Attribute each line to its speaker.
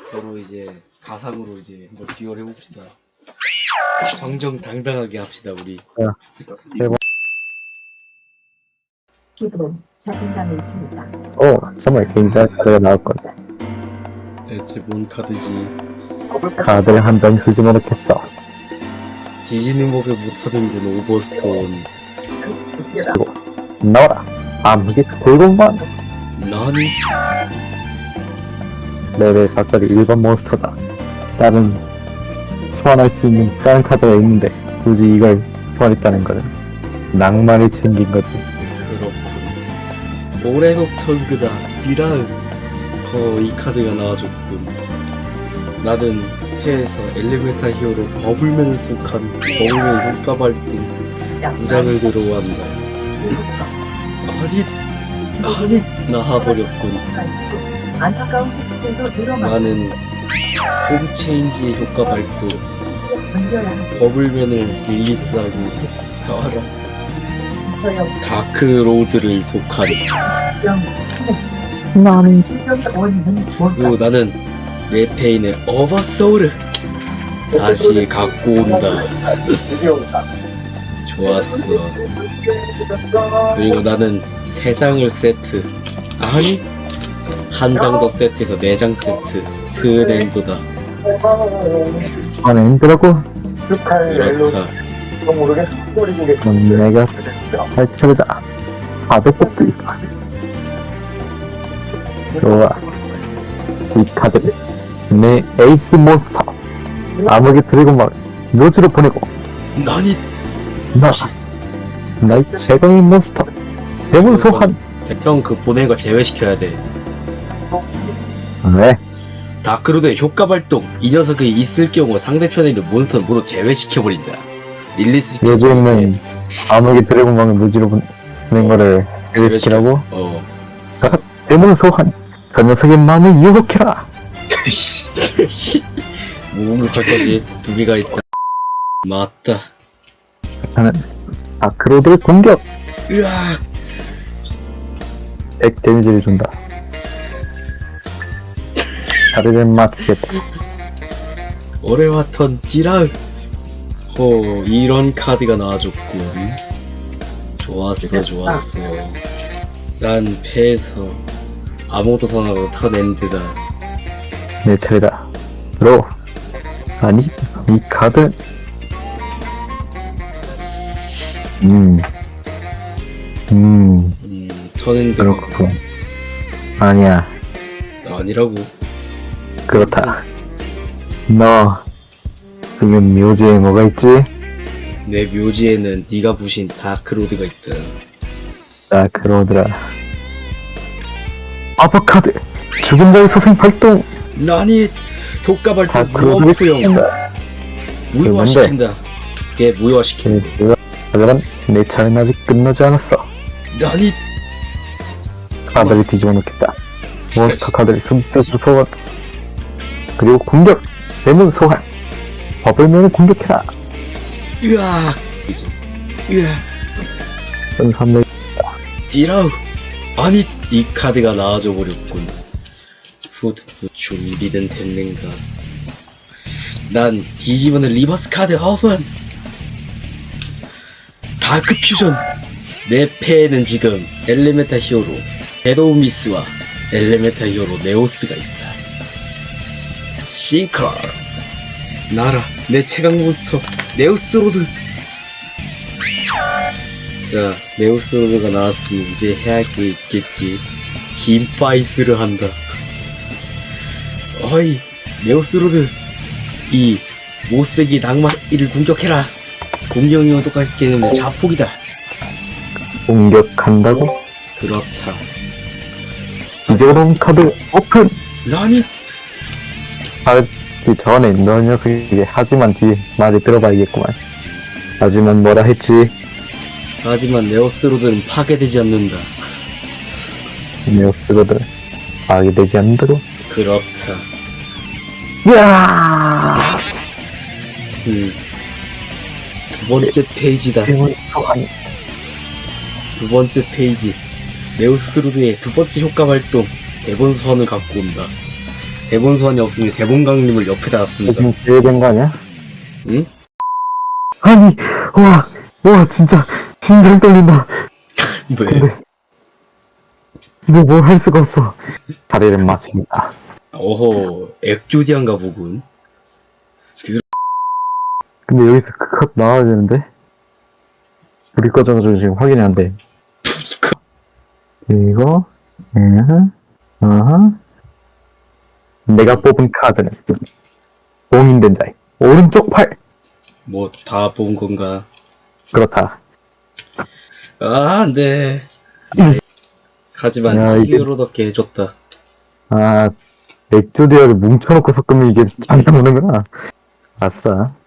Speaker 1: 서로 이제 가상으로 이제 한번 듀얼 해봅시다. 정정당당하게 합시다 우리.
Speaker 2: 기분, 자신감을 칩니다.
Speaker 3: 정말 굉장한 카드가 나올 건데.
Speaker 1: 대체 뭔 카드지?
Speaker 3: 카드를 한 장 주지 못했어.
Speaker 1: 뒤지는 법에 못하는군. 오버스톤.
Speaker 3: 나와라. 암흑의 골공만.
Speaker 1: 나니?
Speaker 3: 레벨 4짜리 1번 몬스터다. 나는 소환할 수 있는 다른 카드가 있는데 굳이 이걸 소환했다는 거는 낭만이 생긴 거지.
Speaker 1: 그렇군. 오레노 턴그다. 디라은. 이 카드가 나와줬군. 나는 패에서 엘리멘탈 히어로 버블맨을 속한 버블맨 손가발등 2장을 들어왔다. 아니 나와버렸군.
Speaker 2: 안타까운 속죄도 늘어나
Speaker 1: 나는 홈체인지의 효과 발동
Speaker 2: 견뎌야 하고
Speaker 1: 버블맨을 릴리스하고 나와라.
Speaker 2: 서역
Speaker 1: 다크로드를 속한.
Speaker 2: 정
Speaker 3: 나는
Speaker 2: 실현 원인은
Speaker 1: 그리고
Speaker 2: 뭘까?
Speaker 1: 나는 레페인의 어바소울을 다시 갖고 온다. 좋았어. 그리고 나는 3장을 세트, 아니 한 장 더 세트해서 4장 세트. 트랜도다.
Speaker 3: 안에 힘들라고?
Speaker 1: 그렇다.
Speaker 3: 그럼 내가 할 차례다. 카드 뽑기. 좋아. 이 카드를 내 에이스 몬스터 암흑의 드래곤만 묘지로 보내고
Speaker 1: 나니
Speaker 3: 나의 최강의 몬스터 대문 소환.
Speaker 1: 형 그 보낸 거 제외시켜야 돼.
Speaker 3: 왜?
Speaker 1: 다크로드의 효과 발동. 이 녀석이 있을 경우 상대편에 있는 몬스터는 모두 제외시켜버린다. 릴리스 시켜서
Speaker 3: 요즘은 암흑의 드래곤망을 묘지로 보낸 거를 제외시키라고? 대문 소환. 그 녀석의 마음을 유혹해라.
Speaker 1: 무공격할 것이 2개가 있다. 맞다.
Speaker 3: 나는 다크로드의 공격
Speaker 1: 으악.
Speaker 3: 100 데미지를 준다. 다르를 맞겠다.
Speaker 1: 오레와턴 지랄. 이런 카드가 나와줬군. 좋았어. 난 패에서 아무것도 선하고 턴 엔드다.
Speaker 3: 내 차례다. 로. 아니, 이 카드.
Speaker 1: 턴 엔드.
Speaker 3: 그렇군. 아니야,
Speaker 1: 아니라고.
Speaker 3: 그렇다. 너, 지금 묘지에 뭐가 있지?
Speaker 1: 내 묘지에는 네가 부신 다크로드가 있다.
Speaker 3: 다크로드라. 아바카드. 죽은 자의 소생 발동.
Speaker 1: 나니 효과 발동
Speaker 3: 다크로드를
Speaker 1: 무한포용
Speaker 3: 시킨다.
Speaker 1: 무효화시킨다. 걔 무효화시킨다.
Speaker 3: 하지만 내 차례는 아직 끝나지 않았어.
Speaker 1: 나니
Speaker 3: 카드를 뒤집어 놓겠다. 몬스터 카드를 손뜻으로 소환. 그리고 공격. 대문 소환. 버블맨을 공격해라.
Speaker 1: 으악.
Speaker 3: 선삼레.
Speaker 1: 디라우. 아니 이 카드가 나와줘 버렸군. 푸드 준비된 됐는가. 난 뒤집어는 리버스 카드 오픈. 다크 퓨전. 내 패에는 지금 엘레멘탈 히어로 베도우미스와 엘레멘탈 히어로 네오스가 있다. 싱크라. 나라 내 최강 몬스터 네오스로드. 자, 네오스로드가 나왔으니 이제 해야 할 게 있겠지. 긴파이스를 한다. 어이, 네오스로드. 이 못쓰기 낭만 이를 공격해라. 공격력은 똑같겠는데 자폭이다.
Speaker 3: 공격한다고?
Speaker 1: 그렇다.
Speaker 3: 이제 그럼 카드 오픈!
Speaker 1: 나니?
Speaker 3: 하기 전에 너 녀석에게 하지만 뒤에 말을 들어봐야겠구만. 하지만 뭐라 했지?
Speaker 1: 하지만 네오스로드는 파괴되지 않는다.
Speaker 3: 네오스로드 파괴되지 않는다고?
Speaker 1: 그렇다.
Speaker 3: 이야!
Speaker 1: 두 번째 페이지다.
Speaker 3: 대문 소환.
Speaker 1: 두 번째 페이지. 네오스로드의 두 번째 효과 발동. 대본 소환을 갖고 온다. 대본 소환이 없으니 대본 강림을 옆에다
Speaker 3: 너
Speaker 1: 놨습니다.
Speaker 3: 지금 기회된 거 아니야?
Speaker 1: 응?
Speaker 3: 아니, 와, 진짜, 심장 떨린다.
Speaker 1: 왜?
Speaker 3: 이거 뭘 할 수가 없어. 자리를 마칩니다.
Speaker 1: 어허, 엑조디안가 보군.
Speaker 3: 근데 여기서 컷 나와야 되는데? 불이 꺼져가지고 지금 확인이 안 돼. 이거, 내가 뽑은 카드는 봉인된 자의 오른쪽 팔.
Speaker 1: 뭐, 다 본 건가?
Speaker 3: 그렇다.
Speaker 1: 아, 안 돼. 하지만
Speaker 3: 야, 이게-
Speaker 1: 히어로답게 해줬다.
Speaker 3: 엑조디아를 뭉쳐놓고 섞으면 이게 잘 나오는구나. 아싸.